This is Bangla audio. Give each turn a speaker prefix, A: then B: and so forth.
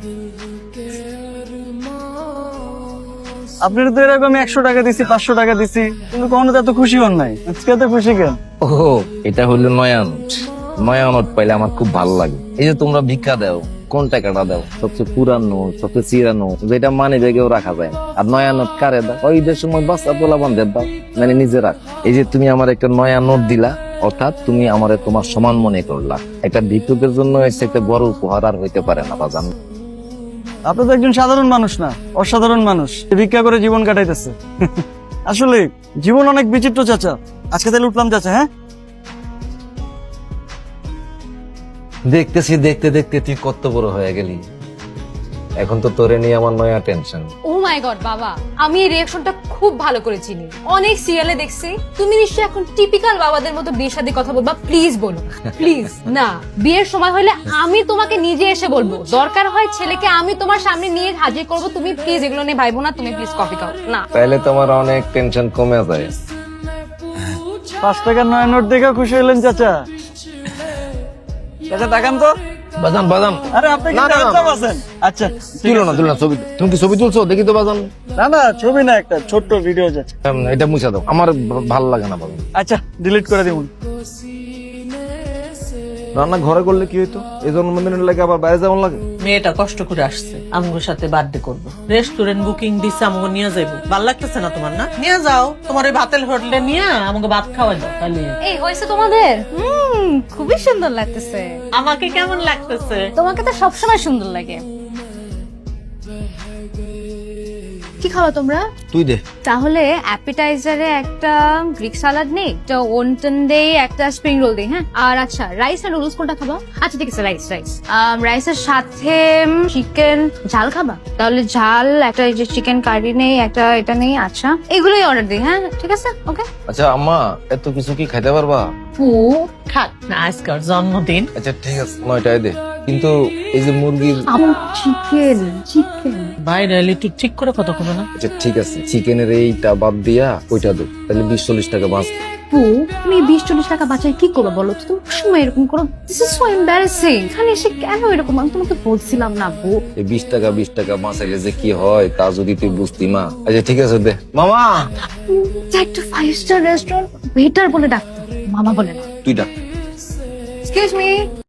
A: আপনার তো এরকম 100 টাকা দিছি, 500 টাকা দিছি, কিন্তু কখনো তো এত খুশি হন নাই। আজকে এত খুশি কেন?
B: ও, এটা হলো নয়া নোট। নয়া নোট পাইলে আমার খুব ভালো লাগে। এই যে তোমরা ভিক্ষা দাও, কোন টাকাটা দাও? সবচেয়ে পুরানো, সবচেয়ে চিরানো, যেটা মানে জায়গায় রাখা যায় না। আর নয়া নোট কারে দাও? ওই ঈদের সময় বাচ্চা পোলা বান্ধব দাও, মানে নিজে রাখ। এই যে তুমি আমার একটা নয়া নোট দিলা, অর্থাৎ তুমি আমারে তোমার সমান মনে করলা। একটা ভিক্ষুকের জন্য এসে একটা বড় উপহার আর হইতে পারে না বাজান।
A: আপনি তো একজন সাধারণ মানুষ না, অসাধারণ মানুষ, ভিক্ষা করে জীবন কাটাইতেছে। আসলে জীবন অনেক বিচিত্র চাচা। আজকে তাহলে উঠলাম চাচা। হ্যাঁ,
B: দেখতেছি দেখতে দেখতে তুই কত বড় হয়ে গেলি। এখন তো তোরে নিয়ে আমার নয়া টেনশন।
C: ও মাই গড বাবা, আমি এই রিঅ্যাকশনটা খুব ভালো করে চিনি, অনেক সিরিয়ালে দেখছি। তুমি নিশ্চয়ই এখন টিপিক্যাল বাবাদের মতো বিয়ের সাথে কথা বলবা। প্লিজ বলো, প্লিজ। না, বিয়ের সময় হলে আমি তোমাকে নিজে এসে বলবো, দরকার হয় ছেলেকে আমি তোমার সামনে নিয়ে হাজির করব। তুমি প্লিজ এগুলো নিয়ে ভাইবো না। তুমি প্লিজ কফি খাও না।
B: তাইলে তোমার অনেক টেনশন কমে যায়।
A: 5 টাকার নয়া নোট দেখে খুশি হলেন চাচা? চাচা তাকান তো।
B: বাজান বাজান,
A: আরে আপনি কি
B: না, না, না।
A: চাচা আছেন? আচ্ছা,
B: তুলো না তুলো না ছবি। তুমি কি ছবি তুলছো? দেখি তো বাজান।
A: না না, ছবি না, একটা ছোট্ট ভিডিও চাচা।
B: এটা মুছা দাও, আমার ভালো লাগে না বাজান।
A: আচ্ছা, ডিলিট করে দিবুন।
B: রান্না ঘরে করলে কি হইতো? এই জন্মদিনের লাগে আবার বাইরে যাওয়ার লাগে।
D: মেয়েটা কষ্ট করে আসছে আমগোর সাথে বার্থডে করবো, রেস্টুরেন্ট বুকিং দিচ্ছে, আমগো নিয়ে যাইবো। ভাল লাগতেছে না তোমার? না নিয়ে যাও, তোমার ওই ভাতের হোটেলে নিয়ে আমাকে ভাত খাওয়াই দাও। তাহলে
C: এই হয়েছে তোমাদের? খুবই সুন্দর লাগতেছে।
D: আমাকে কেমন লাগতেছে?
C: তোমাকে তো সবসময় সুন্দর লাগে। কি খাও তোমরা?
B: তুই দে।
C: তাহলে অ্যাপিটাইজারে একটা গ্রিক সালাড নেই, একটা ওনটন দেই, একটা স্প্রিং রোল দেই। হ্যাঁ, আর আচ্ছা রাইস আর নুডলস কোনটা খাবা? আচ্ছা ঠিক আছে, রাইস। রাইসের সাথে চিকেন ঝাল খাবা? তাহলে ঝাল একটা, এই যে চিকেন কারি নেই, একটা এটা নেই। আচ্ছা, এগুলোই অর্ডার দিই। হ্যাঁ ঠিক আছে, ওকে।
B: আচ্ছা আম্মা, এত কিছু কি খাইতে পারবা?
D: খাক না, আজকার জন্মদিন।
B: আচ্ছা ঠিক আছে, 9টায় দে। কিন্তু এই যে মুরগির,
C: চিকেন
D: বাইরে এলে একটু ঠিক করে কথা কবে না?
B: আচ্ছা ঠিক আছে, চিকেনের এইটা বাদ দিয়া ওইটা দে, তাহলে 20-40 টাকা বাঁচ।
C: তুমি 20-40 টাকা বাঁচাই কি করবে বলো তো? তুমি সময় এরকম করো, দিস ইজ সো এম্বারাসিং। এখানে এসে কেন এরকম? আমি তোমাকে বলছিলাম না বউ।
B: এই 20 টাকা বাঁচাইলে যে কি হয় তা যদি তুই বুঝতি মা। আচ্ছা ঠিক আছে দে মামা।
C: একটা 5 স্টার রেস্টুরেন্ট ওয়েটার বলে ডাকতো, মামা বলে না।
B: তুই ডাক।
C: Excuse me.